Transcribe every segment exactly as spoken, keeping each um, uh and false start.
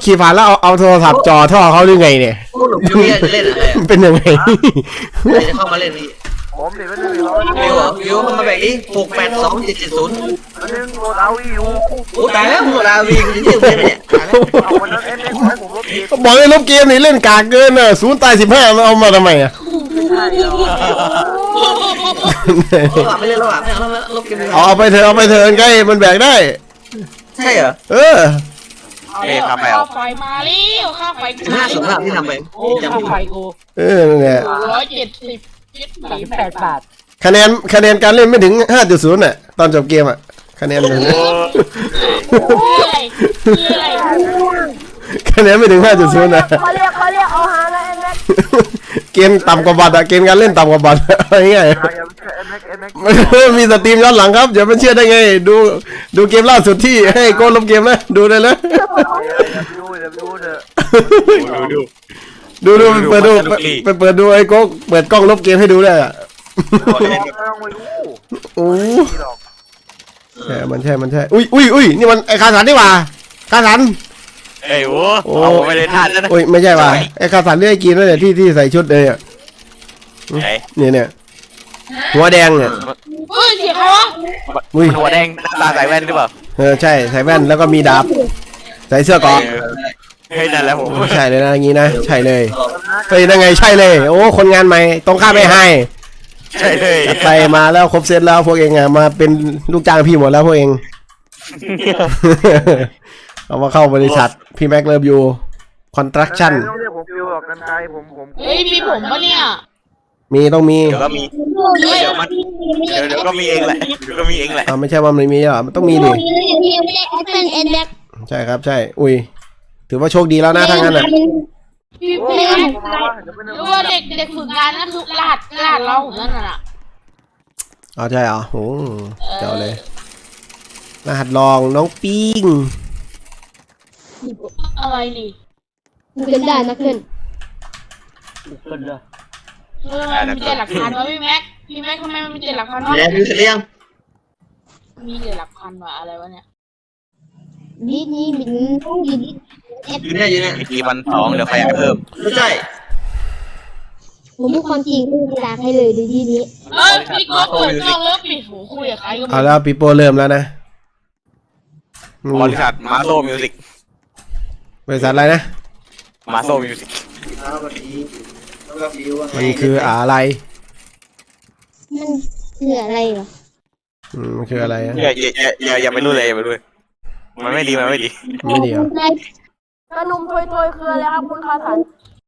ขี่ผ่านแล้วเอาเอาโทรศัพท์จ่อท่อเขาหรือไงเนี่ยพี่จะเล่นอะไรเป็นยังไงจะเข้ามาเล่นพี่ผมเดี๋ยวมันจะมีร้อยวิวเหรอวิวมาแบบนี้หกแปดสองเจ็ดเจ็ดศูนย์มันนึงโหลดเอาวีอยู่โอ้ตายแล้วหมดลาวีกูจะเที่ยวเล่นเนี่ยเอาวันนั้นเอ็นเอ็กซ์ให้ผมลบเกมบอกให้ลบเกมนี่เล่นกากเกินอ่ะศูนย์ตายสิบห้าเอามาทำไมอ่ะไม่ใช่หรอกไม่เล่นแล้วอ่ะไม่เอาแล้วลบเกมเลยเอาไปเถอะเอาไปเถอะใกล้มันแบกได้ใช่เหรอเออเอาแล้วข้าไฟมาแล้วข้าไฟห้าสองห้าที่ทำไปโอ้ข้าไฟกูเออเนี่ยร้อยเจ็ดสิบเจ็ดสิบแปดบาทคะแนนคะแนนการเล่นไม่ถึง ห้าจุดศูนย์ น่ะตอนจบเกมอ่ะคะแนนมันคืออะไรคืออะไรคะแนนไม่ถึง ห้าจุดศูนย์ น่ะเขาเรียกเขาเรียกเอาฮานะเอ็นเอ็กเกมต่ำกว่าบัตรอ่ะเกมการเล่นต่ำกว่าบัตรอะไรเงี้ยอย่าไปเชื่อเอ็นเอ็กซ์เอ็นเอ็กซ์มีสตรีมย้อนหลังครับอย่าไปเชื่อได้ไงดูดูเกมล่าสุดที่ให้โกนลบเกมนะดูได้เลยอย่าไปดูอย่าไปดูเถอะดูดูดูดูเปิดดูไปเปิดดูไอ้โก้เปิดกล้องลบเกมให้ดูได้อ่ะไม่ต้องไปดูโอ้นี่หรอกใช่มันใช่มันใช่อุ้ยอุ้ยอุ้ยนี่มันไอ้คาสันนี่หว่าคาสันเอ้ยโว้เอาไปเลยท่านนะอุ้ยไม่ใช่ว่ะไอ้คาสันเรียกกินนั่นแหละที่ที่ใส่ชุดเลยอ่ะไหนเนี่ยเนี่ยหัวแดงเนี่ยเฮ้ยเสียเขาวะอุ้ยหัวแดงตาใส่แว่นหรือเปล่าเออใช่ใส่แว่นแล้วก็มีดาบใส่เสื้อเกราะเฮ้ยนั่นแหละผมใช่เลยนะอย่างงี้นะใช่เลยเฮ้ยยังไงใช่เลยโอ้คนงานใหม่ตรงข้ามไม่ให้ใช่เลยจัดไปมาแล้วครบเซตแล้วพวกเองอ่ะมาเป็นลูกจ้างพี่หมดแล้วพวกเอง เอามาเข้าบริษัทพี่แม็กเลิฟยูคอนตรักชั่นไม่ต้องเรียกผมฟิวหรอกกันไกลผมผมเฮ้ยมีผมปะเนี่ยมีต้องมีเดี๋ยวก็มีเดี๋ยวมันเดี๋ยวเดี๋ยวก็มีเองแหละเดี๋ยวก็มีเองแหละอ่าไม่ใช่ว่ามันมีหรอมันต้องมีดิเป็นเอ็นเอ็กใช่ครับใช่อุ้ยถือว่าโชคดีแล้วนะทางนั้นอ่ะพี่โอ้เพื่อนผมมาว่าเดี๋ยวไปหนึรือว่าเด็กเด็กฝึกงานนั่นคือรหัสรหัสเราผมนั่นน่ะอ๋อใช่เหรอโอ้เจ้าเลยรหัสลองน้องปิ้งอะไรนี่เกินได้นะเกินเออมันมีแต่หลักพันวะพี่แม็กพี่แม็กทำไมมันมีแต่หลักพันวะแล้ววิวเสร็จหรือยังมีแต่หลักพันวะอะไรวะเนี่ยนี่นี่มินดีดีอยู่เนี่ยอยู่เนี่ยอีกทีวันสองเดี๋ยวขยายเพิ่มไม่ใช่ผมพูดความจริงไม่ตาให้เลยดีดีนี้เออพี่ก็เปิดกล้องแล้วปิดหูคุยกับใครก็ไม่เอาแล้วปีโป้เริ่มแล้วนะอืมบริษัทมาโซมิวสิกบริษัทอะไรนะมาโซมิวสิกแล้วก็ฟีแล้วก็ฟิวว่าไงมันคืออะไรมันคืออะไรเหรออืมมันคืออะไรอะอย่าอย่าอย่าอย่าไปรู้เลยอย่าไปรู้เลยมันไม่ดีมันไม่ดีไม่ดีเหรอกระนุ่มถอยถอยคืออะไรครับคุณคาสัน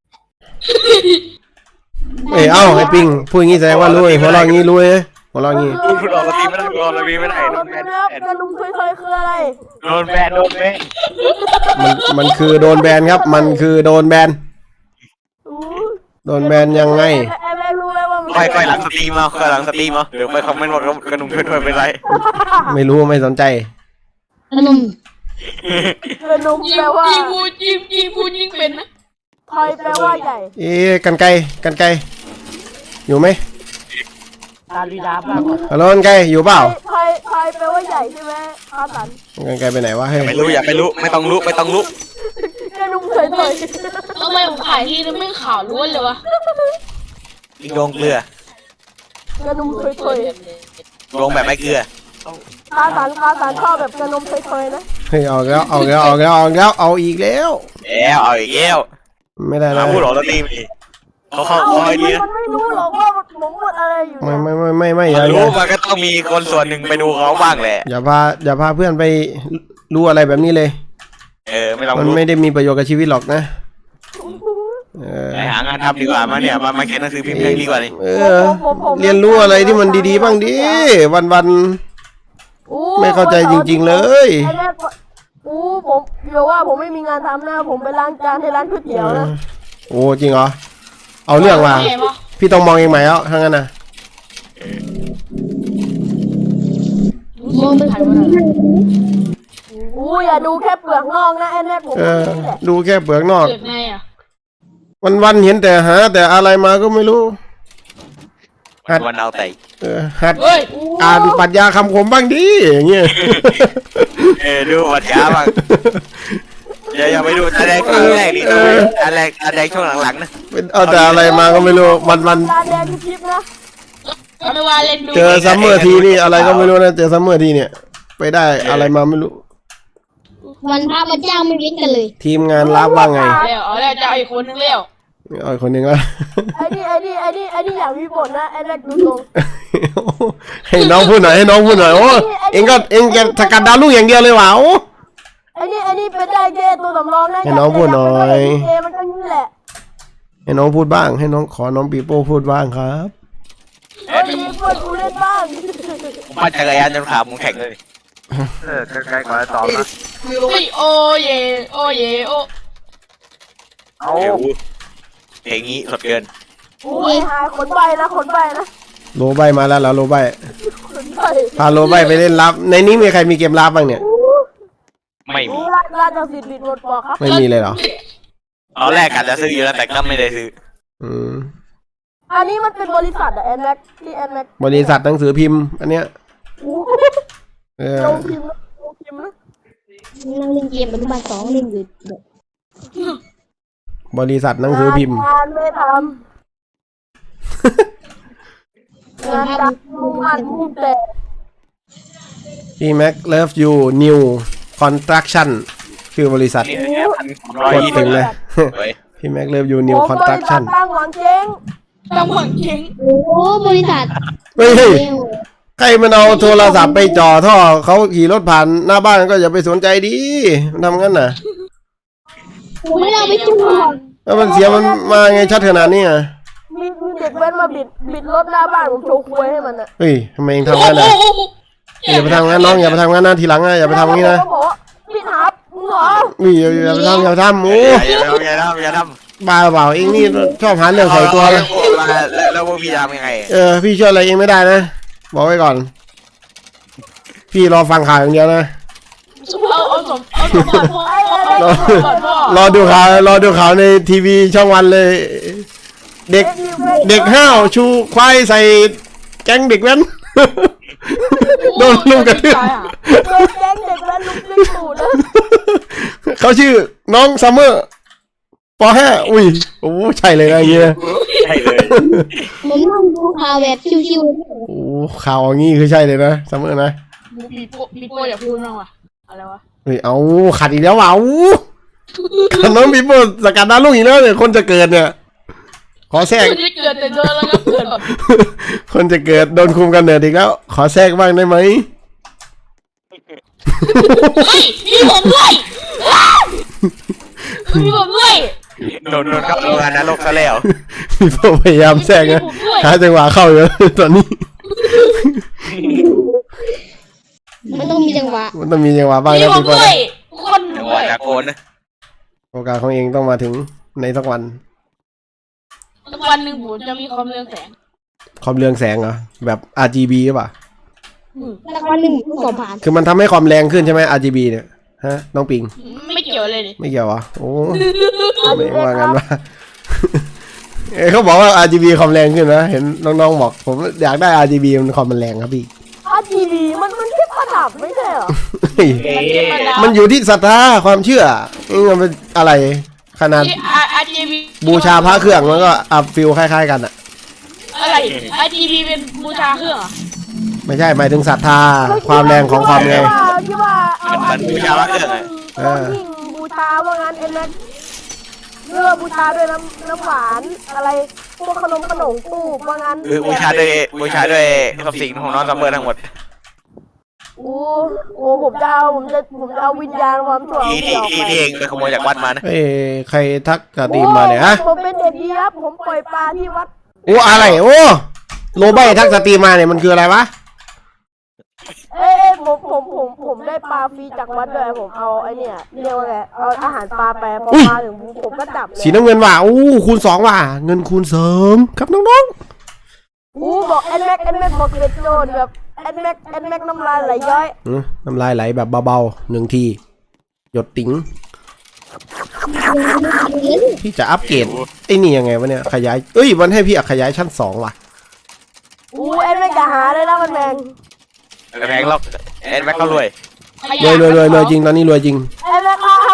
เอ้ยเอ้าไอ้ปิงพูดอย่างงี้แสดงว่ารู้ไอ้หัวเราะอย่างงี้รู้ไอ้หัวเราะอย่างงี้พูดพูดออกสตรีมไม่ได้พูดออกสตรีมไม่ได้โดนแบนกระนุ่มถอยถอยคืออะไรโดนแบนโดนแบนมันมันคือโดนแบนครับ มันคือโดนแบนอู้โดนแบนยังไงไอ้แม่รู้ไหมว่ามันค่อยค่อยหลังสตรีมเอาค่อยหลังสตรีมเอาเดี๋ยวไปคอมเมนต์ว่ากระนุ่มช่วยๆเป็นไรไม่รู้ไม่สนใจกระนุ่มกระนุ่มยิแปลงว่ายิงพูดยิงยิงพูดยิงเป็นนะถอยแปลว่าใหญ่เอ๊ะกันไกลกันไกลอยู่ไหมการวีดาบ้างฮัลโหลกันไกลอยู่เปล่าถอยถอยแปลว่าใหญ่ใช่ไหมคาสันกันไกลไปไหนวะเฮ้ยไม่รู้อย่าไปรู้ไม่ต้องรู้ไม่ต้องรู้กระนุ่มถอยถอยทำไมผมขายทีนึงไม่ขาวล้วนเลยวะยิงโดงเกลือกระนุ่มถอยถอยโดงแบบไม่เกลือคาสันคาสันชอบแบบกระนุ่มถอยถอยนะเฮ้ยเอาแล้วเอาแล้วเอาแล้วเอาแล้วเอาอีกแล้วแล้วเอาอีกแล้วไม่ได้มานะพูดออกสตรีมดิเขาเข้าคอยดีนะมันไม่รู้หรอกว่าผมพูดอะไรอยู่ไม่ไม่ไม่ไม่ไม่อย่ามันอรู้ย่ามันก็ต้องมีคนส่วนหนึ่งไปดูเขาบ้างแหละอย่าพาอย่าพาเพื่อนไปรู้อะไรแบบนี้เลยเออไม่ต้องมันรู้ไม่ได้มีประโยชน์กับชีวิตหรอกนะเออไปหางานทำดีกว่ามาเนี่ยมามาเขียนหนังสือพิมพ์ดีกว่านี่เออเรียนรู้อะไรที่มันดีๆบ้างดิวันวันอู้ๆไม่เข้าใจจริง ๆเลยไอ้แม่ก็อู้ผมเดี๋ยวว่าผมไม่มีงานทำนะผมไปล้างจานให้ร้านก๋วยเตี๋ยวนะโอ้จริงเหรอเอาเรื่องมาพี่ต้องมองเองไหมแล้วทั้งนั้นนะมองเป็นใครวะอู้อย่าดูแค่เปลือกนอกนะไอ้แม่ผมเออดูแค่เปลือกนอกเกิดไงอ่ะวันวันๆเห็นแต่หาแต่อะไรมาก็ไม่รู้หัดวันเอาแต่เออหัดเฮ้ยอ่านปรัชญาคำคมบ้างดิอย่างเงี้ยเออดูวัดยาบ้างอย่าอย่าไปดูอันแรกครั้งแรกดิอันแรกอันแรกช่วงหลังๆนะเป็นเอาแต่อะไรมาก็ไม่รู้มันมันตาแดงที่คลิปนะไม่ว่าเล่นดูเจอซัมเมอร์ทีนี่อะไรก็ไม่รู้นะเจอซัมเมอร์ทีเนี่ยไปได้อะไรมาไม่รู้วันพระมาจ้างไม่เว้นกันเลยทีมงานรับว่าไงแล้วเอาแล้วจะเอาอีกคนนึงแล้วเอาอีกคนหนึ่งละไอ้นี่ไอ้นี่ไอ้นี่ไอ้นี่อย่างมีบทนะไอ้แม็กดูตรงให้น้องพูดหน่อยให้น้องพูดหน่อยโอ้เองก็เองจะสกัดดาวลูกอย่างเดียวเลยว่ะโอ้ไอ้นี่ไอ้นี่เป็นได้แค่ตัวสำรองนะให้น้องพูดหน่อยเอมันก็นี่แหละให้น้องพูดบ้างให้น้องขอน้องปีโป้พูดบ้างครับเฮ้ยมีคนกูเล่นบ้างมาจักรยานจนขามึงแข็งเลยเออไกลๆกว่าตอบนะฟิวเฮ้ยโอเยโอเยโอเอาเดี๋ยวเพลงนี้สดเกินโอ้ยหาขนใบนะขนใบนะโลใบมาแล้วแล้วโลใบขนใบพาโลใบไปเล่นรับในนี้มีใครมีเกมรับบ้างเนี่ยไม่มีโอ้ราราชสิทธิ์บิดหมดปอกครับไม่มีเลยเหรอตอนแรกกะจะซื้ออยู่แล้วแต่ก็ไม่ได้ซื้ออืมอันนี้มันเป็นบริษัทอะแอนแม็กที่แอนแม็กบริษัทหนังสือพิมพ์อันเนี้ยเออลงพิมพ์นะลงพิมพ์นะนั่งเล่นเกมอนุบาลสองเล่นอยู่บริษัทหนังสือพิมพ์งานไม่ทำงานดักมันมุ่งแต่พี่แม็กเลิฟยูนิวคอนสตรักชั่นคือบริษัทนี่เนี่ยพันร้อยกดยี่ถึสิบงเลยเฮ้ยพี่แม็กเลิฟยูนิวคอนสตรักชั่นตั้งหวังเจ๊งต้องหวังเก่งโอ้บริษัทเฮ้ยเร็วใครมันเอาโทรศัพท์ไปจ่อท่อเขาขี่รถผ่านหน้าบ้านก็อย่าไปสนใจดิมันทำงั้นน่ะผมไม่ได้เอาไปจุ่มหรอกแล้วมันเสียมันมาไงชัดขนาดนี้อ่ะมีมีเด็กแว้นมาบิดบิดรถหน้าบ้านผมโชว์คุยให้มันอะเฮ้ยทำไมเองทำงั้นน่ะอย่าไปทำงั้นน้องอย่าไปทำงั้นนะทีหลังนะอย่าไปทำงี้นะเขาบอกว่าพี่ทับมึงเหรออุ้ยอย่าอย่าไปทำอย่าไปทำโอ้อย่าอย่าทำอย่าทำอย่าทำบ้าเปล่าเองนี่ชอบหาเรื่องใส่ตัวนะแล้วแล้วพวกพี่ทำยังไงเออพี่ช่วยอะไรเองไม่ได้นะบอกไว้ก่อน พี่รอฟังข่าวอย่างเดียวนะเอาเอาสมเอาสมบัติพ่อรอสมบัติพ่อรอดูข่าวรอดูข่าวในทีวีช่องวันเลย เด็กเด็กห้าวชูควายใส่แก๊งเด็กแว้น โดนลุมกระทืบเด็กแก๊งเด็กแว้นลุกขึ้นตูดนะเขาชื่อน้องซัมเมอร์ปห้าอุ้ยโอ้ใช่เลยนะอย่างเงี้ยใช่เลยผมนั่งดูข่าวแบบชิวโอ้ข่าวอย่างงี้คือใช่เลยนะซัมเมอร์นะมีโปมีโปอย่าพูดบ้างว่ะอะไรวะเฮ้ยเอาขัดอีกแล้วว่ะเอาน้องบีโบสกัดดาวลูกอีกแล้วเนี่ยคนจะเกิดเนี่ย ขอแทรกไม่ได้เกิดแต่เจอแล้วก็เกิดแบบคนจะเกิดโดนคุมกันเนิดอีกแล้ว ขอแทรกบ้างได้ไหมเฮ้ยมีผมด้วยมีผมด้วยโดนโดนเข้าโรงงานนรกซะแล้วบีโบพยายามแทรกนะหาจังหวะเข้าอยู่ ตอนนี้ๆมันต้องมีจังหวะมันต้องมีจังหวะบ้างมีนะผมบีโบด้วยคนจังหด้ววะยจากโกนนะโอกาสของเองต้องมาถึงในสักวันวันหนึ่งผมจะมีความเรืองแสงความเรืองแสงเหรอแบบ อาร์ จี บี หรือเปล่าสักวันหนึ่งผมสอบผ่านคือมันทำให้ความแรงขึ้นใช่ไหม อาร์ จี บี เนี่ยฮะน้องปิงไม่เกี่ยวเลยดิไม่เกี่ยวเหรอโอ้ไม่ว่างั้นว่า เอ้ยเขาบอกว่า อาร์ จี บี ความแรงขึ้นนะเห็นน้องๆบอกผมอยากได้ อาร์ จี บี มันความมันแรงครับพี่อาทีดีมันมันแค่ประดับไม่ใช่เหรอเฮ้ยมันอยู่ที่ศรัทธาความเชื่อเองมันเป็นอะไรขนาดอาร์จีบีบูชาพระเครื่องมันก็อัพฟิลคล้ายๆกันอะอะไรอาร์จีบีเป็นบูชาเครื่องเหรอไม่ใช่หมายถึงศรัทธาความแรงของความไงที่ว่าเอามันบูชาพระเครื่องไงเออยิ่งบูชาว่างั้นเอ็นแม็กเลือบูชาด้วยน้ำน้ำหวานอะไรพวกขนมขนมตู้ว่างั้นคือบูชาด้วยบูชาด้วยทรัพย์สินของน้องซัมเมอร์ทั้งหมดโอ้โหผมจะเอาผมจะผมจะเอาวิญญาณความชั่วที่ที่ที่ที่เองไปขโมยจากวัดมานะเฮ้ยใครทักกระตีมมาเนี่ยฮะผมเป็นเด็กดีครับผมปล่อยปลาที่วัดโอ้อะไรโอ้โลใบทักสตรีมมาเนี่ยมันคืออะไรวะเอ้ยผมผมผมผมได้ปลาฟรีจากวัดด้วยผมเอาไอเนี่ยเรียกว่าไงเอาอาหารปลาแปรพอมาถึงผมก็จับเลยสีน้ำเงินว่ะอู้คูณสองว่ะเงินคูณเสริมครับน้องอู้บอกแอนแม็กแอนแม็กบอกเด็ดโจนแบบแอนแม็กแอนแม็กน้ำลายไหลย้อยๆอื้อน้ำลายไหลแบบเบาๆหนึ่งทีหยดติ๋งพี่จะอัปเกรดไอ้นี่ยังไงวะเนี่ยขยายเอ้ยมันให้พี่ขยายชั้นสองว่ะอู้แอนแม็กจะหาเลยนะมันแมงแพงหรอกแอนแม็กก็รวยรวยรวยรวยรวยจริงตอนนี้รวยจริงแอนแม็กถ้าผมเข้า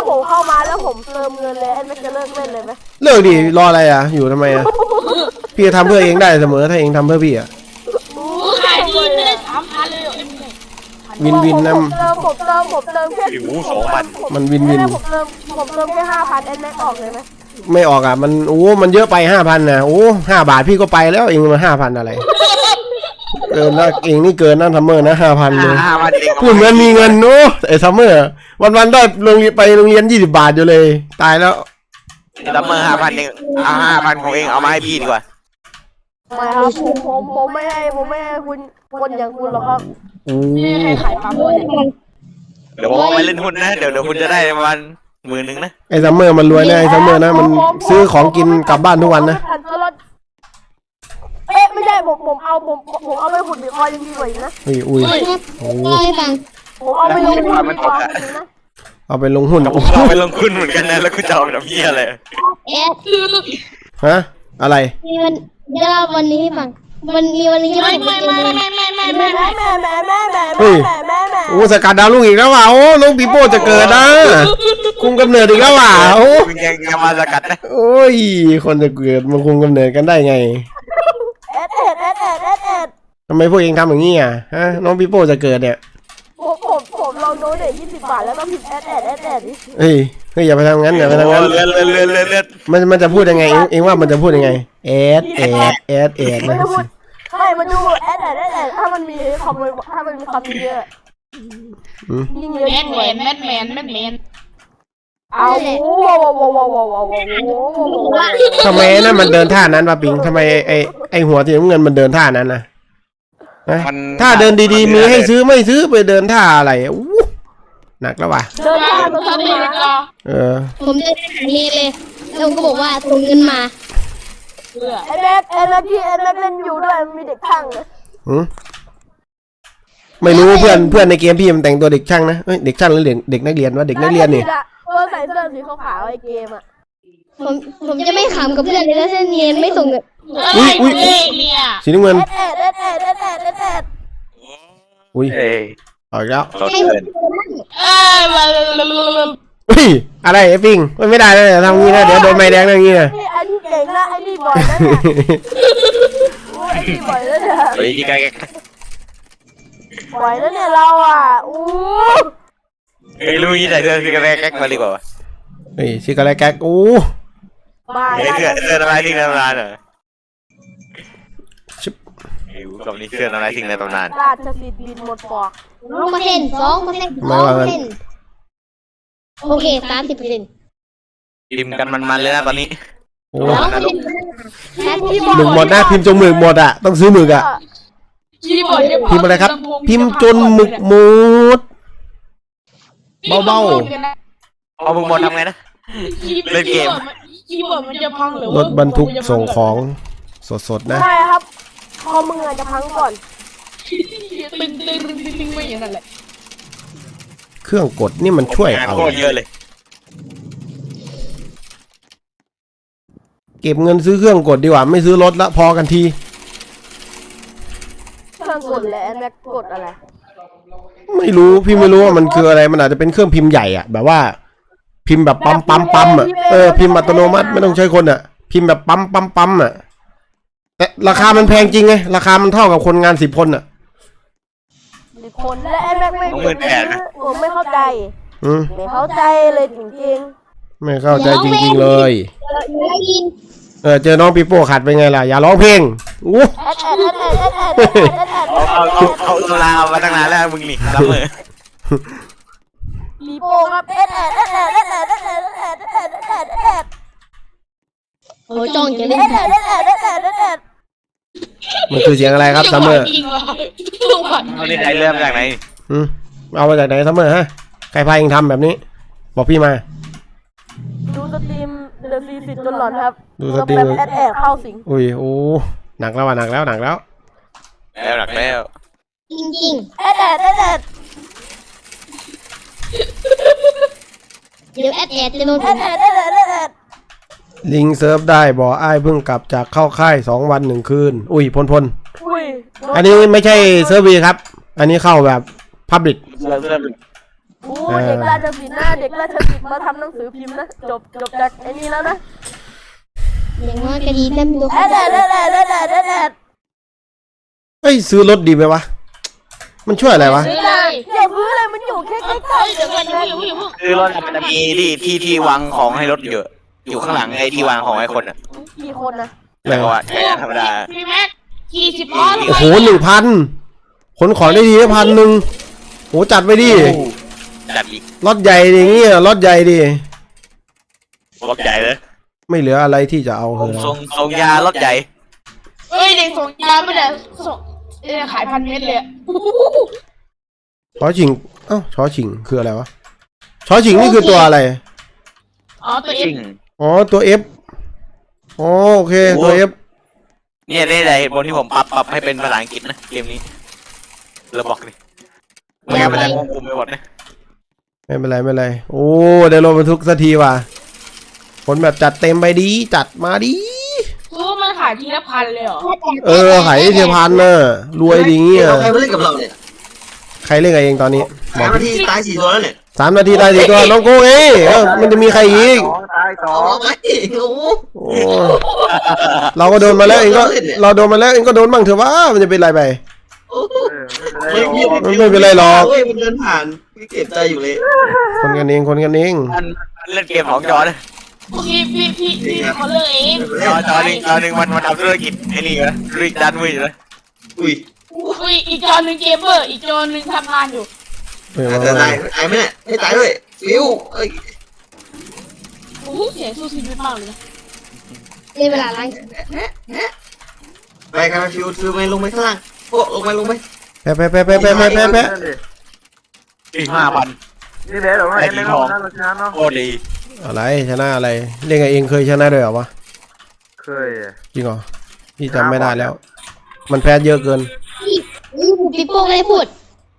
มาแล้วผมเติมเงินเลยแอดแม็กจะเลิกเล่นเลยไหมเลิกดิรออะไรอ่ะอยู่ทำไมอ่ะพี่จะทำเพื่อเองได้เสมอถ้าเองทำเพื่อพี่อ่ะขายดีไม่ได้สามพันเลยเหรอเอ็มเนี่ยวินวินนะผมเติมผมเติมผมเติมแค่ผิวสองพันมันวินวินผมเติมผมเติมแค่ห้าพันแอดแม็กออกเลยไหมไม่ออกอ่ะมันโอ้มันเยอะไปห้าพันนะโอ้ห้าบาทพี่ก็ไปแล้วเองมาห้าพันอะไรเกินแล้วเองนี่เกินนั่นทัมเมอร์นะห้าพันเลยห้าพันเองพูดเหมือนมีเงินโน้ไอ้ทัมเมอร์วันวันๆได้โรงเรียนไปโรงเรียนยี่สิบบาทอยู่เลยตายแล้วดับเมอร์ห้าพันเองเอาห้าพันของเองเอามาให้พี่ดีกว่าไม่ครับผมผมผมไม่ให้ผมไม่ให้คุณคนอย่างคุณหรอกครับไม่ให้ขายปลาโมเนี่ยเดี๋ยวผมเอาไปเล่นหุ้นนะเดี๋ยวเดี๋ยวคุณจะได้ประมาณหมื่นหนึ่งนะไอ้ทัมเมอร์มันรวยนะไอ้ทัมเมอร์นะมันซื้อของกินกลับบ้านทุกวันนะเอ๊ะไม่ใช่ผมผมเอาผมผมเอาไปขุดบิตคอยน์ยังดีกว่าอีกนะอุ้ยอุ้ยครับเล่าให้ฟังผมเอาไปลงทุนบิตคอยน์จริงนะเอาไปลงหุ้นผมเอาไปลงทุนเหมือนกันนะแล้วคุณจะเอาไปทำเหี้ยอะไรแอดฮะอะไรมีวันจะเล่าวันนี้ให้ฟังมันมีวันนี้ไม่ไม่ไม่ไม่ไม่ไม่ไม่แม่ไม่แม่แม่แม่แม่เฮ้แม่ยแม่แม่แม่โอ้สกัดดาวลูกอีกแล้วว่ะโอ้น้องปีโป้จะเกิดนะคุมกำเนิดอีกแล้วว่ะโอ้คุณยังยังมาสกัดนะโอ้ยคนจะเกิดมาคุมกำเนิดกันได้ไงเอ็ดเอ็ดเอ็ดเอ็ดเอ็ดเอ็ดทำไมพวกเองทำอย่างนี้อ่ะฮะน้องปีโป้จะเกิดเนี่ยผมผมผมลองโดเนทยี่สิบบาทแล้วก็พิมพ์เอ็ดเอ็ดเอ็ดเอ็ดดิเฮ้ยเฮ้ยอย่าไปทำงั้นอย่าไปทำงั้นเลือดเลือดเลือดเลือดเลือดมันมันจะพูดยังไงเองเองว่ามันจะพูดยังไงแอดแอดแอดแอดไม่นะได้พูดใช่มันดูเอ็ดเอ็ดเอ็ดเอ็ดถ้ามันมีคำถ้ามันมีคำเยอะยิ่งเยอะแมยิ่นงแมรวยนแมนแมนแมนแมนเอาว้าวว้าวว้าวว้าวว้าวว้าวทำไมนั่นมันเดินท่านั้นวะปิงทำไมไอไอหัวสีน้ำเงินมันเดินท่านั้นนะนะถ้าเดินดีๆมีให้ซื้อไม่ซื้อไปเดินท่าอะไรอู้หนักแล้วว่ะเดินทางมาทำทำเอไมงก็เออผมเดินไปหาเนเลยแล้วผมก็บอกว่าส่งเงินมาเพื่อไอ้แม็กไอ้แม็กที่ไอ้แม็กเล่นอยู่ด้วยมีเด็กข้างเลยหืมไม่รู้เพื่อนเพื่อนในเกมพี่มันแต่งตัวเด็กช่างนะเอ้ยเด็กช่างหรือเด็กเด็กนักเรียนวะเด็กนักเรียนนี่เออใส่เสื้อสีขาวๆไอ้เกมอ่ะผมผมจะไม่ขำกับเพื่อนเลยแล้วเส้นเนียนไม่ส่งเงินอะไรเนี่ยสีน้ำเงินเอ็ดเอ็ดเอ็ดเอ็ดเอ็ดเอ็ดเอ็ดเอ็ดอุ้ยเอ้ยเอาอีกแล้วเขาให้เกินเอ้ยมาอุ้ยอะไรไอ้ปิงมันไม่ได้นะทำงี้นะเดี๋ยวโดนไม้แดงนะอย่างงี้นะนี่ไอ้นี่เก่งนะไอ้นี่บ่อยนะเนี่ยไอ้นี่บ่อยแล้วเนี่ยเฮ้ยที่ใกล้บ่อยแล้วเนี่ยเราอ่ะอู้เฮ้ยลุยใส่เสื้อที่กระแกมาดีกว่าเฮ้ยชิคอะไรแก๊กอู้บ้าเฮ้ยเสื้อเสื้ออะไรทิ้งในตำนานเหรอเฮ้ยกับนี้เสื้ออะไรทิ้งในตำนานราชสิทธิ์บินหมดปอกสองเปอร์เซ็นต์สองเปอร์เซ็นต์สองเปอร์เซ็นต์โอเคสามสิบเปอร์เซ็นต์พิมพ์กันมันๆเลยนะตอนนี้โอ้สองเปอร์เซ็นต์แปดสิบหมึกหมดนะพิมพ์จนหมึกหมดอ่ะต้องซื้อหมึกอ่ะคีย์บอร์ดพิมพ์อะไรครับ พิมพ์จนหมึกหมด เบาเอามึงหมดทำไงนะ เล่นเกมคีย์บอร์ดมันจะพังหรือรถบรรทุกส่งของสดๆนะใช่ครับคอมึงอาจจะพังก่อนตึงตึงตึงตึงไม่อย่างนั้นแหละเครื่องกดนี่มันช่วยงานเอาโคตรเยอะเลยเก็บเงินซื้อเครื่องกดดีกว่าไม่ซื้อรถละพอกันทีเครื่องกดและแม็กกดอะไรไม่รู้พี่ไม่รู้ว่ามันคืออะไรมันอาจจะเป็นเครื่องพิมพ์ใหญ่อ่ะแบบว่า พิมพ์แบบปั๊มปั๊มปั๊มอ่ะเออพิมพ์อัตโนมัติไม่ต้องใช้คนอ่ะ พิมพ์แบบปั๊มปั๊มปั๊มอ่ะแต่ราคามันแพงจริงไงราคามันเท่ากับคนงานสิบคนอ่ะสิบคนและไอ้แม็กไม่ผมไม่เข้าใจอืมไม่เข้าใจเลยจริงไม่เข้าใจจริงๆเลยอยู่ได้ยินเออเจอน้องปีโป้ขัดเป็นไงล่ะอย่าร้องเพลงอู้ๆแอดแอดแอดแอดแอดแอดแอดแอดแอดเอาเอาเอาเอาตุลาเอามาตั้งนานแล้วมึงนี่รับมือมีโปครับแอดแอดแอดแอดแอดแอดแอดแอดแอดแอดแอดแอดโอ้จ้องจะเล่นแอดแอดแอดแอดแอดแอดมันคือเสียงอะไรครับซัมเมอร์จริงว่ะจังหวะเอานี่ได้เริ่มจากไหนอืมเอามาจากไหนซัมเมอร์ฮะใครพาเองทำแบบนี้ บอกพี่มาดูสตรีมเดอะซีสิจนหลอนครับดูสตรีมแบบแอดแอดเข้าสิงอุ้ยโอ้หนักแล้วว่ะหนักแล้วหนักแล้วแล้วหนักแล้วจริงแอดแอดแอดแอดๆเดี๋ยวแอดแอดจะโดนผแอมดแอดแอดแอดแอดแอดลิงเซิร์ฟได้บอกอ้ายเพิ่งกลับจากเข้าค่ายสองวันหนึ่งคืนอุ้ยพลพลอุ้ยอันนี้ไม่ใช่เซิร์ฟวีครับ อันนี้เข้าแบบพับลิกเริ่มเริ่มโอ้เด็กราชสิทธิ์นะเด็กราชสิทธิ์มาทำหนังสือพิมพ์นะจบจบจากไอ้นี่แล้วนะอย่างน้อยก็ดีนะมีตัวแอดแอดแอดแอดแอดแอดแอดแอดเฮ้ยซื้อรถดีไหมวะมันช่วยอะไรวะซื้อเลยอย่าพื้นเลยมันอยู่แค่ใกล้เฮ้ยเดี๋ยวก่อนอย่าเพิ่งอย่าเพิ่งคือรถมันจะมีที่ที่ที่วางของให้รถเยอะอยู่ข้างหลังไอ้ที่วางของไอ้คนอ่ะๆกี่คนนะแต่ว่าใช้ธรรมดาพี่แม็กกี่สิบล้อโอ้โหหนึ่งพันขนของได้ดีพันหนึ่งโหจัดไปดิจัดอีกรถใหญ่ดิเงี้ยรถใหญ่ดิรถใหญ่เลยไม่เหลืออะไรที่จะเอาเลยทรงทรงยารถใหญ่เอ้ยเด็กส่งยาไม่ได้ส่งเอ้ยขายพันเม็ดเลยอะชอชิงเอ้าชอชิงคืออะไรวะชอชิงนี่คือตัวอะไรอ๋อตัวเอจริงงอ๋อตัว F อ๋อโอเคตัว F เนี่ยได้ไรบนที่ผมปรับปรับให้เป็นภาษาอังกฤษนะเกมนี้เราบอกเลยไม่งั้นมันจะงงกุมไปหมดนะไม่เป็นไรไม่เป็นไรโอ้ได้รถบรรทุกสักทีว่ะผลแบบจัดเต็มไปดีจัดมาดีคือว่ามันขายทีละพันเลยเหรอเออขายเทียพันน่ะรวยดีเงี้ยเอาใครมาเล่นกับเราเนี่ยใครเล่นกับเองตอนนี้บสาอกมนาทีตายสี่ตัวแล้วเนี่ยสามนาทีได้สิตัวน้องโก้เอ้ยเออมันจะมีใครอีกสองตายสอเอางไปโอ้โหโอ้เราก็โดนมาแล้วเองก็เราโดนมาแล้วเองก็โดนบ้างเถอะว่ามันจะเป็นไรไปเออไม่เป็นไรหรอกมันไม่เป็นไรหรอกเว้ยมันเดินผ่านไม่เก็บใจอยู่เลยคนกันเองคนกันเองมันมันเล่นเกมของจอนะพี่พี่พี่พี่เขาเลือกเองจอจอหนึ่งจอหนึ่งมันมันทำธุรกิจไอ้นี่อยู่นะธุรกิจด้านมืออยู่นะอุ้ยอุ้ยอีกจอหนึ่งเกมเมอร์อีกจอหนึ่งทำงานอยู่เอออาจจะตายตายไหมเนี่ยให้ตายด้วยฟิวเอ้ยโอ้โหเสียงสู้ชีวิตมากเลยนะในเวลาล้างไปกันฟิวฟิวไปลงไปข้างล่างโอ้ลงไปลงไปแพ้แพ้แพ้แพ้แพ้แพ้แพ้แพ้นั่นดิอีกห้าพันนี่แหละเราไม่เล่นแล้วนะเราชนะเนาะโคตรดีอะไรชนะอะไรเล่นกับเองเคยชนะด้วยเหรอวะเคยอะจริงเหรอพี่จำไม่ได้แล้ว มันแพ้เยอะเกินนี่ผมปิโป้ไม่ได้พูด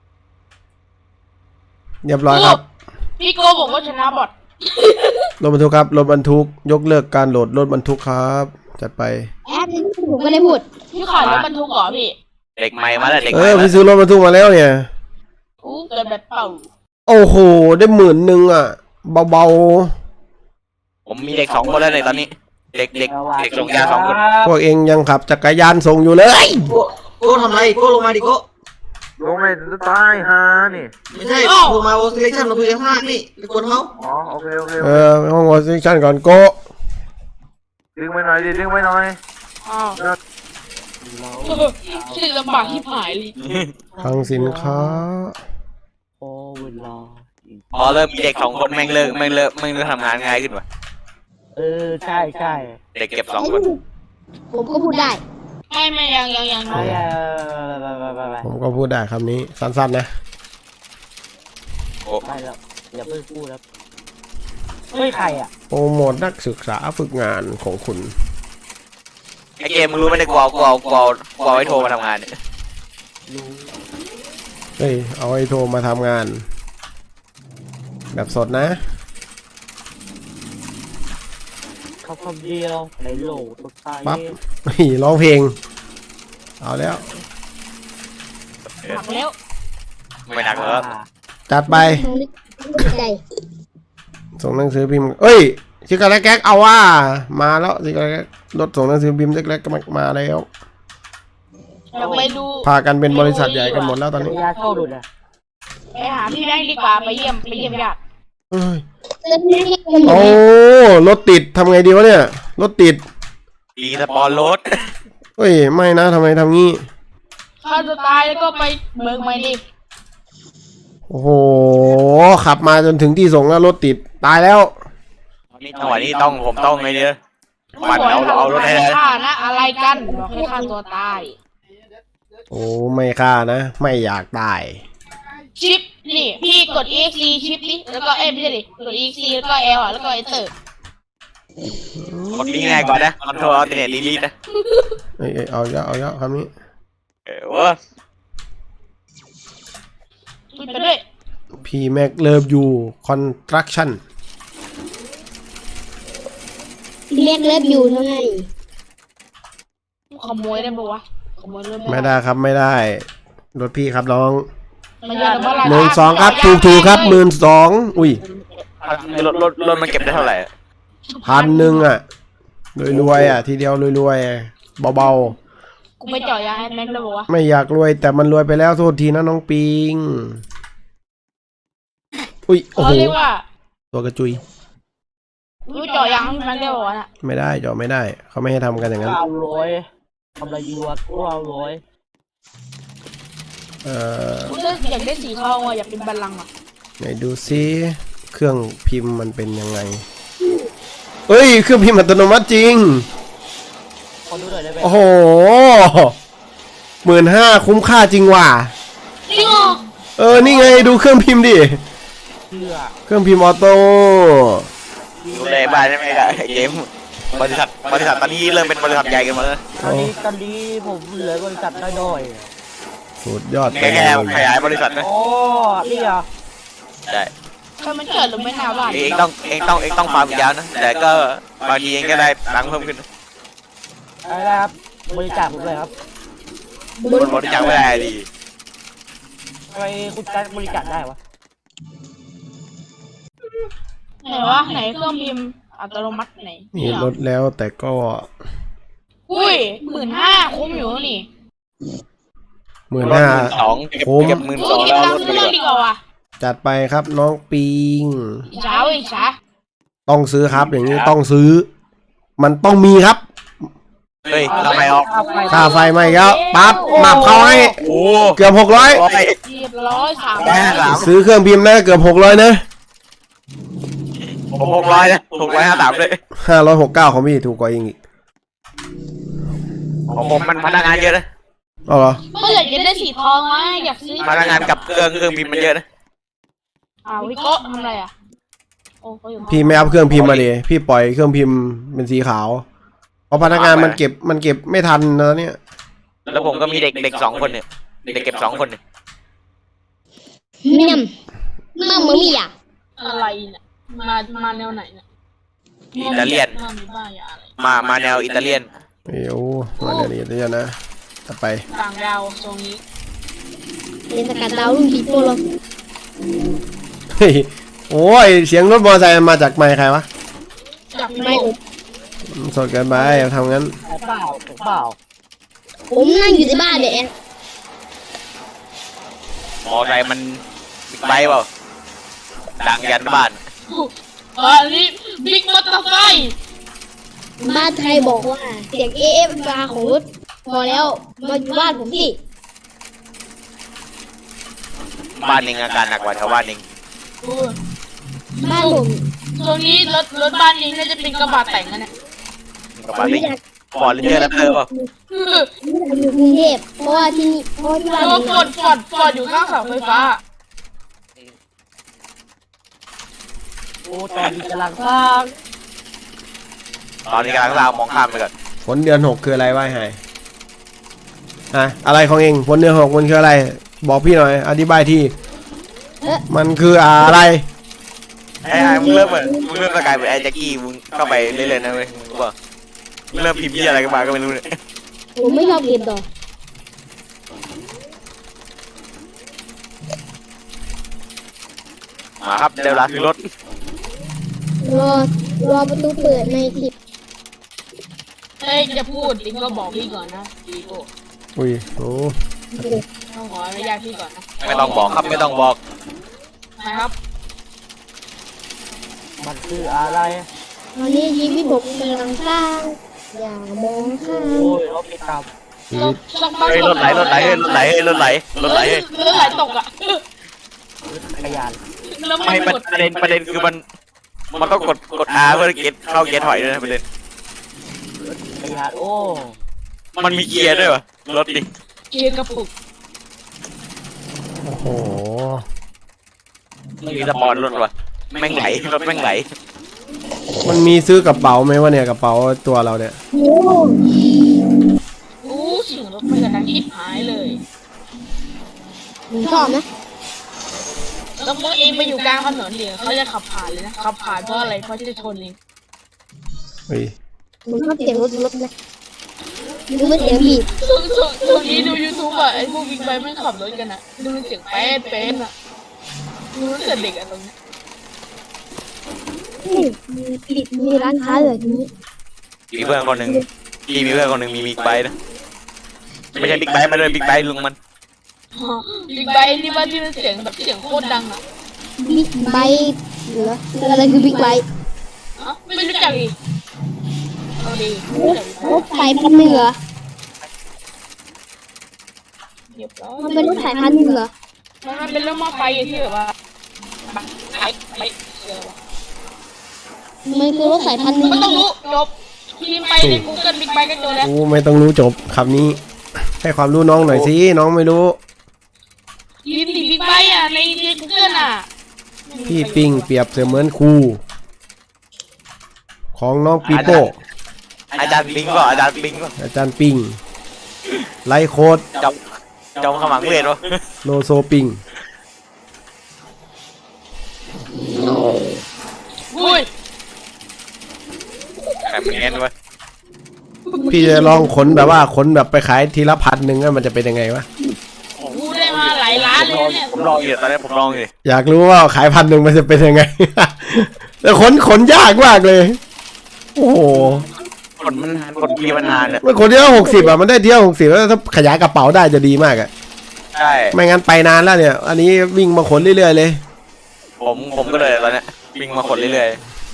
เรียบร้อยครับพี่โกบอกว่าชนะบอทรถบรรทุกครับรถบรรทุกยกเลิกการโหลดรถบรรทุกครับจัดไปแอดนี่ผมไม่ได้พูดพี่ขายรถบรรทุกเหรอพี่เด็กใหม่มาแล้วเด็กเอใหม่อมาพี่ซื้อรถบรรทุกมาแล้วเนี่ยอู้เกิดแบบเป่าโอ้โหได้หมื่นหนึ่งอ่ะเบาผมมีเด็กสองคนแล้วในตอนนี้ เด็กเด็กเด็กส่งยาสองคนๆพวกเองยังขับจักรยานส่งอยู่เลยโก้โก้ทำไรโก้ลงมาดิโก้ลงไม่จะตายฮะนี่ไม่ใช่ลงมาโอซิเลชั่นเราคุยกันข้างล่างนี่ไปกวนเขาอ๋อโอเคโอเคเออไปห้องวอร์ซิชั่นก่อนโกะดึงไปหน่อยดิดึงไปหน่อยอ้าวชื่อลำบากที่หายเลยคลังสินค้าโอ้เวลาพอเริ่มมีเด็กสองคนแม่งเลิกแม่งเลิกแม่งเลิกทำงานง่ายขึ้นว่ะเออใช่ใช่เด็กเก็บสองคนผมก็พูดได้ไม่ไม่ยังยังยังไปเออไปไปไปไปผมก็พูดได้คำนี้สั้นๆนะโอ้ไปแล้วอย่าเพิ่งพูดแล้วเฮ้ยใครอ่ะโปรโมทนักศึกษาฝึกงานของคุณไอเกมมึงรู้ไหมเนี่ยกูเอากูเอากูเอากูเอาไอ้โทรมาทำงานเนี่ยรู้เฮ้ยเอาไอ้โทรมาทำงาน แบบสดนะเขาคำเดียวในโลกตัวตายปั๊บ นี่ร้องเพลง เอาแล้วหักแล้วไม่หนักแล้วจัดไปต้องนึกนึกใจส่งหนังสือพิมพ์เอ้ยซิกาแลกแก๊กเอาว่ามาแล้วซิกาแลกแก๊กรถส่งหนังสือพิมพ์ซิกาแลกก็มาแล้วอยากไปดูพากันเป็นบริษัทใหญ่กันหมดแล้วตอนนี้ยาเข้าดุดอ่ะไปหาพี่แบงค์ดีกว่าไปเยี่ยมไปเยี่ยมญาติเอ้ยเติมเงินให้คนหมดโอ้เลยรถติดทำไงดีวะเนี่ยรถติดดีสปอนรถเฮ้ยไม่นะทำไมทำงี้ถ้าจะตายแล้วก็ไปเมืองใหม่ดิโอ้โหขับมาจนถึงที่ส่งแล้วรถติดตายแล้วนี่จังหวะนี้ต้องผมต้องไงเนี่ยมึงปั่นบอกเอาให้เอารถให้ได้ฆ่านะอะไรกันบอกให้ฆ่าตัวตายโอ้ไม่ฆ่านะไม่อยากตายชิปนี่พี่กด exe ชิปนี่แล้วก็เอ้ยไม่ใช่ดิกด exe แล้วก็ L อ่ะแล้วก็ enter กดนี้ง่ายกว่านะคอนโทรลอัลเทอร์เนทดีลีทนะเอ้ยเอ้ยเอาเยอะเอาเยอะคำนี้เออเว้ยคุยไปด้วยพีแม็กเลิฟยูคอนสตรักชั่นเรียกเลิฟอยู่เท่านั้นขโมยได้ปะวะขโมยรถไม่ได้ครับไม่ได้รถพี่ครับน้องมันเยอะแต่ว่าราคาหมื่นสองครับถูกถูกครับหมื่นสองอุ้ยรถรถรถมันเก็บได้เท่าไหร่อะพันหนึ่งอ่ะรวยๆอ่ะทีเดียวรวยๆเบากูไปเจาะยางให้แม็กแล้วบอกว่าๆไม่อยากรวยแต่มันรวยไปแล้วโทษทีนะน้องปิงอุ้ยโอ้เขาโหเรียกว่าตัวกระจุยกูเจาะยางให้แม็กได้บอกว่าน่ะไม่ได้จอไม่ได้เขาไม่ให้ทำกันอย่างนั้นเก้าร้อยทำอะไรดีวะเก้าร้อยเอ่อกูจะอยากได้สีทองอ่ะอยากเป็นบัลลังก์อ่ะไหนดูซิเครื่องพิมพ์มันเป็นยังไงเอ้ยเครื่องพิมพ์อัตโนมัติจริงขอดูหน่อยได้ไหมโอ้โหหมื่นห้าคุ้มค่าจริงว่ะจริงเหรอเออนี่ไงดูเครื่องพิมพ์ดิเชื่อเครื่องพิมพ์ออโต้ดูแลบ้านได้ไหมครับไอ้เกมบริษัทบริษัทตอนนี้เริ่มเป็นบริษัทใหญ่กันหมดแล้วตอนนี้ตอนนี้ผมเหลือบริษัทน้อยสุดยอดแค่แค่ขยายบริษัทนะๆอ๋อนี่เหรอใช่ใครมันเกิดหรือไม่นาบ้านเองต้องเองต้องเองต้องฟาร์มยาวนะแต่ก็บางทีเองก็ได้ตังค์เพิ่มขึ้นอะไรนะครับบริจาคผมเลยครับคนบริจาคไม่ได้ดีทำไมคุณจะบริจาคได้วะไหนวะไหนเครื่องพิมพ์อัตโนมัติไหนนี่ลดแล้วแต่ก็อุ้ยหมื่นห้าคุ้มอยู่นี่หมื่นรถห้าหมื่นสองเก็บคุ้มเก็บหมื่นกูสองเก็บแล้วตังรค์ถซื้อไป ดีกว่าเรื่องดีกว่าว่ะจัดไปครับน้องปิงอิจฉาเว้ยอิจฉาต้องซื้อครับอย่างนี้ต้องซื้อ มันต้องมีครับเฮ้ยทำไมออกค่าไฟไม่แล้วปั๊บมาบเขาให้โอ้เกือบหกร้อยร้อยเรียบร้อยสามแค่สามซื้อเครื่องพิมพ์นะเกือบหกร้อยนะผมหกร้อยนะหกร้อยห้าสามเลยห้าร้อยหกเก้าของพี่ถูกกว่าอีกของผมมันพนักงานเยอะนะเอาเหรอก็อยากจะได้สีทองไงอยากซื้อพนักงานกับเครื่องเครื่องพิมพ์มันเยอะนะอ้าวพี่โก้ทำอะไรอ่ะโอ้เขาอยู่พี่ไม่อัพเครื่องพิมพ์มาดิพี่ปล่อยเครื่องพิมพ์เป็นสีขาวเพราะพนักงานมันเก็บมันเก็บไม่ทันนะเนี่ยแล้วผมก็มีเด็กเด็กสองคนเนี่ยเด็กเก็บสองคนเนี่ยเมียมมั่งมึงมีอ่ะอะไรเนี่ยมามาแนวไหนเนี่ยอิตาเลียนมามีบ้ายาอะไรมามาแนวอิตาเลียนเอ้ยโอ้มาเดี๋ยวนี้เดี๋ยวนะต่อไปต่างดาวตรงนี้เป็นสกัดดาวรุ่นผีโปโลเฮ้ยโอ้ยเสียงรถมอเตอร์ไซค์มันมาจากไมค์ใครวะจากพี่ไม่โก้ผมสดเกินไปทำงั้นใช่เปล่าถูกเปล่าผมนั่งอยู่ในบ้านเนี่ยมอไซค์มันบิ๊กไบค์เปล่าดังยันบ้านอันนี้บิ๊กมอเตอร์ไซค์บ้านไทยบอกว่าเสียงเอฟบาของรถพอแล้วมาอยู่บ้านผมสิบ้านเองอาการหนักกว่าชาวบ้านเองอู้บ้านผมตรงนี้รถรถบ้านนี้น่าจะเป็นกระบะแต่งนะเนี่ยกับบ้านเองฟอร์ดเรนเจอร์แรปเตอร์เปล่าอยู่กรุงเทพเพราะว่าที่นี่เพราะว่าที่บ้านแล้วผมฟอร์ดฟอร์ดฟอร์ดอยู่ข้างเสาไฟฟ้าโอ้ตอนนี้กำลังสร้างตอนนี้กำลังลาวมองข้ามไปก่อนฝนเดือนหกคืออะไรวะไอ้ไฮอะอะไรของเองฝนเดือนหกมันคืออะไร บอกพี่หน่อยอธิบายทีมันคืออะไรไอ้ไอ้มึงเริ่มเหมือนมึงเริ่มสกายเหมือนไอ้แจ็คกี้มึงเข้าไปเรื่อยๆนะเว้ยมึงรู้ป่ะมึงเริ่มพิมพ์ยี่อะไรกันมาก็ไม่รู้เนี่ยผมไม่ชอบเก็บดอกมาครับเดี๋ยวลาซื้อรถรอรอประตูเปิดในสิบเอ้ยจะพูดดิก็บอกพี่ก่อนนะพี่โก้อุ้ยโอ้ต้องขออนุญาตพี่ก่อนนะไม่ต้องบอกครับไม่ต้องบอกนะครับมันคืออะไรตอนนี้ชีวิตผมกำลังสร้างอย่ามองข้ามโอ้ยรถไปตามชีต้อวิงตต้องบ้านเฮ้ยรถไหลรถไหลเฮ้ยรถไหลเฮ้ยรถไหลรถไหลเฮ้ยรถไหลตกอ่ะรถจักรยานแล้วไม่ไม่ประกดเด็นประเด็นคือมันมันต้องกดกด R เพื่อเก็ตเข้าเกียร์ถอยด้วยนะประเด็นจักรยานโอ้มันมีเกียร์ด้วยวะรถดิเกียร์กระปุกโอ้โหมีสปอนรถวะแม่งไหลรถแม่งไหลมันมีซื้อกระเป๋าไหมวะเนี่ยกระเป๋าตัวเราเนี่ยโอ้อู้เสียงรถไม่กระดังชิบหายเลยผมชอบนะแล้วพวกเองไปอยู่กลางถนนเดี๋ยวเขาจะขับผ่านเลยนะขับผ่านเพราะอะไรเพราะจะชนเองเฮ้ยผมชอบเสียงรถรถนะหรือว่าเสียงบีบช่วงช่วงช่วงนี้ดูยูทูบอ่ะไอ้พวกบิ๊กไบค์ไม่ขับรถกันอ่ะดูมันเสียงแป๊ดแป๊ดอ่ะดูตั้งแต่เด็กอ่ะตรงนี้นี่มีปิดมีร้านค้าเลยทีนี้มีเพื่อนคนหนึ่งพี่มีเพื่อนคนหนึ่งมีบิ๊กไบค์นะไม่ใช่บิ๊กไบค์มันเลยบิ๊กไบค์ลุงมันบิ๊กไบค์ที่ว่าที่มันเสียงแบบเสียงโคตรดังอ่ะบิ๊กไบค์เหรออะไรคือบิ๊กไบค์อ๋อไม่รู้จักอีกเอาดีรถสายพันธุ์หนึ่งเหรอเรียบร้อยมันเป็นรถสายพันธุ์หนึ่งเหรอมันเป็นรถมอไซค์ที่แบบว่าไปไปเออมันคือรถสายพันธุ์หนึ่งไม่ต้องรู้จบพิมพ์ไปใน Google Big Bike ก็เจอแล้วกูไม่ต้องรู้จบคำนี้ ให้ความรู้น้องหน่อยสิน้องไม่รู้พิมพ์ดิ Big Bike อ่ะในใน Google อ่ะพี่ปิงเปรียบเสมือนครูของน้องปีโป้อาจารย์ปิงก็อาจารย์ปิงก็อาจารย์ปิงไลฟ์โค้ดจอมจอมขมังเวทวะโลโซปิงอุ้ยใครมันเงี้ยวะพี่จะลองขนแบบว่าขนแบบไปขายทีละพันหนึ่งอะมันจะเป็นยังไงวะกูได้มาหลายล้านเลยเนี่ยผมลองอยู่ตอนนี้ผมลองอยู่อยากรู้ว่าขายพันหนึ่งมันจะเป็นยังไง แต่ขนขนยากมากเลย โอ้โหผลมันนานผลปีมันนานเนี่ยมันขนเที่ยวหกสิบอะมันได้เที่ยวหกสิบแล้วถ้าขยายกระเป๋าได้จะดีมากอะใช่ไม่งั้นไปนานแล้วเนี่ย อันนี้วิ่งมาขนเรื่อยๆเลยผมผมก็เลยตอนเนี้ยวิ่งมาขนเรื่อย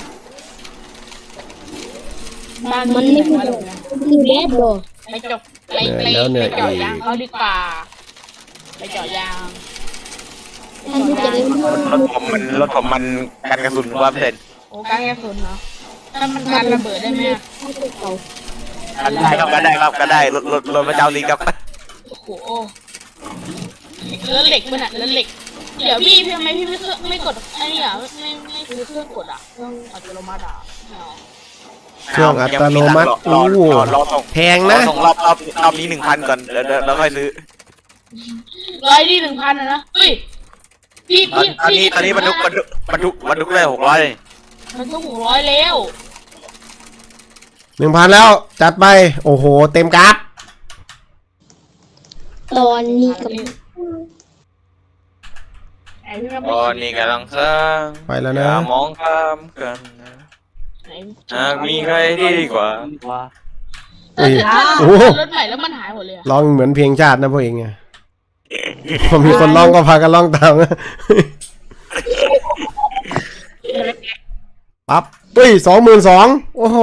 บ้านมันมีไม่ไหนคือวะคือแบดโบไปจบไปไปไปเจาะยางเขาดีกว่าไปเจาะยางท่านที่จะเล่นๆรถผมมันรถผมมันกันกระสุนว่าเปอร์เซ็นต์โอ้การแก้สุนเนาะถ้ามันการระเบิดได้ไหมอะกันได้ครับกันได้ครับกันได้รถรถรถพระเจ้าลีครับโอ้โหเลือเหล็กมันอะเลือเหล็กเดี๋ยวพี่พี่ทำไมพี่ไม่เครื่องไม่กดไอ้นี่อ่ะไม่ไม่ซื้อเครื่องกดอ่ะเครื่องอัตโนมัติอ่ะไม่เอาเครื่องอัตโนมัติรอโอ้รโหอรอส่งแพงรอนะส่งรอบรอบรอบนี้หนึ่งพันก่อนเดี๋ยวเดี๋ยวแล้วค่อยซื้อร้อยที่หนึ่งพันอะนะเฮ้ยพี่ตอนพี่ตอนนี้ตอนนี้บรรทุกบรรทุกบรรทุกบรรทุกได้หกร้อยเลยมันต้องหกร้อยแล้วหนึ่งพันแล้วจัดไป โอ้โห เต็มกราฟตอนนี้กับไอ้พี่ไม่ตอนนี้กำลังสร้างไปแล้วอนะย่ามองข้ามกันนะไหนหากมีใครที่ดีกว่าว่าเอ้ยถ้าโอ้โหรถใหม่แล้วมันหายหมดเลยอะร้องเหมือนเพลงชาตินะพวกเองไงพอมีคนร้องก็พากันร้องตาม ปั๊บเฮ้ยสองหมื่นสองโอ้โห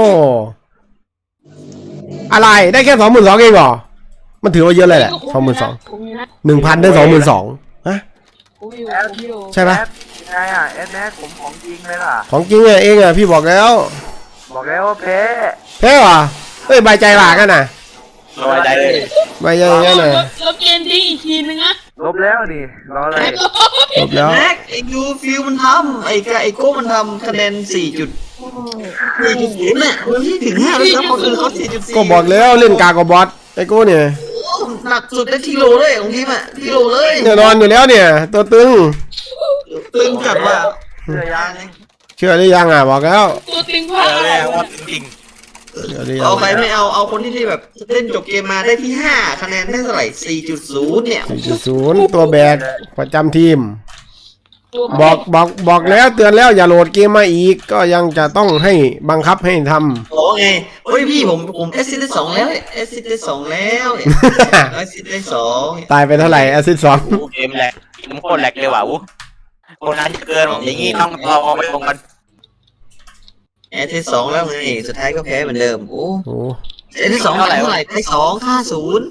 อะไรได้แค่สองหมื่นสองเองเหรอ มันถือว่าเยอะเลยแหละสองหมื่นสองผมอยู่นะหนึ่งพันได้สองหมื่นสองฮะผมอยู่ผมอยู่ใช่ปะแอดยังไงอ่ะแอดแม็กผมของจริงเลยล่ะของจริงอะเองอะพี่บอกแล้วบอกแล้วว่าแพ้เท่เหรอเฮ้ยใบใจหลากันน่ะสบายใจเลยใบใจอย่างนั้นน่ะลบเกมทิ้งอีกทีนึงนะลบแล้วนี่รออะไรจบแล้วแม็กไอ้ยูฟิลมันทำไอ้กะไอ้โก้มันทำคะแนนสี่จุดสี่จุดศูนย์เนี่ยมันไม่ถึงห้าเลยนะคนอื่นเขาสี่จุดสี่ก็บอกแล้วเล่นกากบบอสไอ้กูเนี่ยหนักสุดได้ที่โลเลยของทีมอะที่โลเลยแน่นอนอยู่แล้วเนี่ย ตัวตึงตึงจัดว่ะเสื้อยางเชื่อหรือยังอ่ะบอกแล้วตัวตึงเอพลาดอเรียกว่าจริงเชื่อหรือยังเอาใครไม่เอาเอาคนที่ที่แบบเล่นจบเกมมาได้ที่ห้าคะแนนได้เท่าไหร่สี่จุดศูนย์เนี่ยสี่จุดศูนย์ตัวแบกประจำทีมตัวบอกบอกบอกแล้วเตือนแล้วอย่าโหลดเกมมาอีก ก็ยังจะต้องให้บังคับให้ทโอ้ไงเฮ้ยพี่ผมผมเอสซิได้สองแล้วเอสซิได้สองแล้วเนี่ยเอสซิได้สองำ ตายไปเท่าไหร่แอซิดสองๆอู้เกมแหลกผมโคตรแหลกเลยว่ะอู้คนนั้นจะเกินอย่างงี้ต้องเราเอาไปลงกันเอสซิสองแล้วไงสุดท้ายก็แพ้เหมือนเดิมโอ้โอ้เอสซิสองเท่าไหร่เท่าไหร่ได้สองห้าศูนย์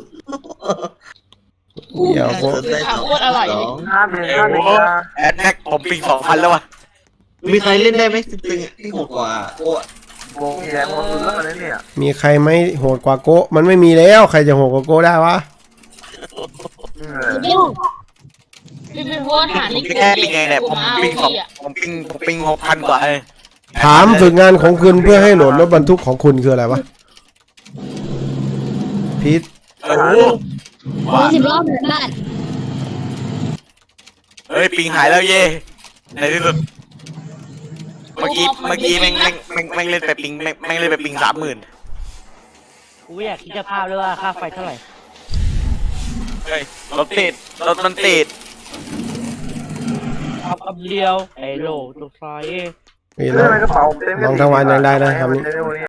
เดี๋ยวพวกข่าวโคตรอร่อยเลยห้าเดือนห้าเดือนนะแอดแม็กผมปิงสองพันแล้วว่ะมีใครเล่นได้ไหมตึงๆอ่ะที่โหดกว่าโอ้วงแดงหมดสุดแล้วนะเนี่ยมีใครไหมโหดกว่าโกะมันไม่มีแล้วใครจะโหดกว่าโกะได้วะอืมยอดพี่เป็นโพสหาในแค่ปิงไงเนี่ยผมปิงสองผมปิงผมปิงหกพันกว่าเลยถามฝึกงานของคุณเพื่อให้โหลดรถบรรทุกของคุณคืออะไรวะพีทโอ้โหรถสิบล้อเหมือนบ้านเฮ้ยปิงหายแล้วเย่ในที่สุดเมื่อกี้เมื่อกี้แม่งแม่งแม่งแม่งเล่นไปปิงแม่งแม่งเล่นไปปิงสามหมื่นกูไม่อยากคิดสภาพเลยว่าค่าไฟเท่าไหร่เฮ้ยรถติดรถมันติดเอาคำเดียวไอ้โหลตัวไฟนี่เรื่เราองกระเป๋าเต็มลองทั้งวันยังได้นะคำนี้เต็มไปหมดเลย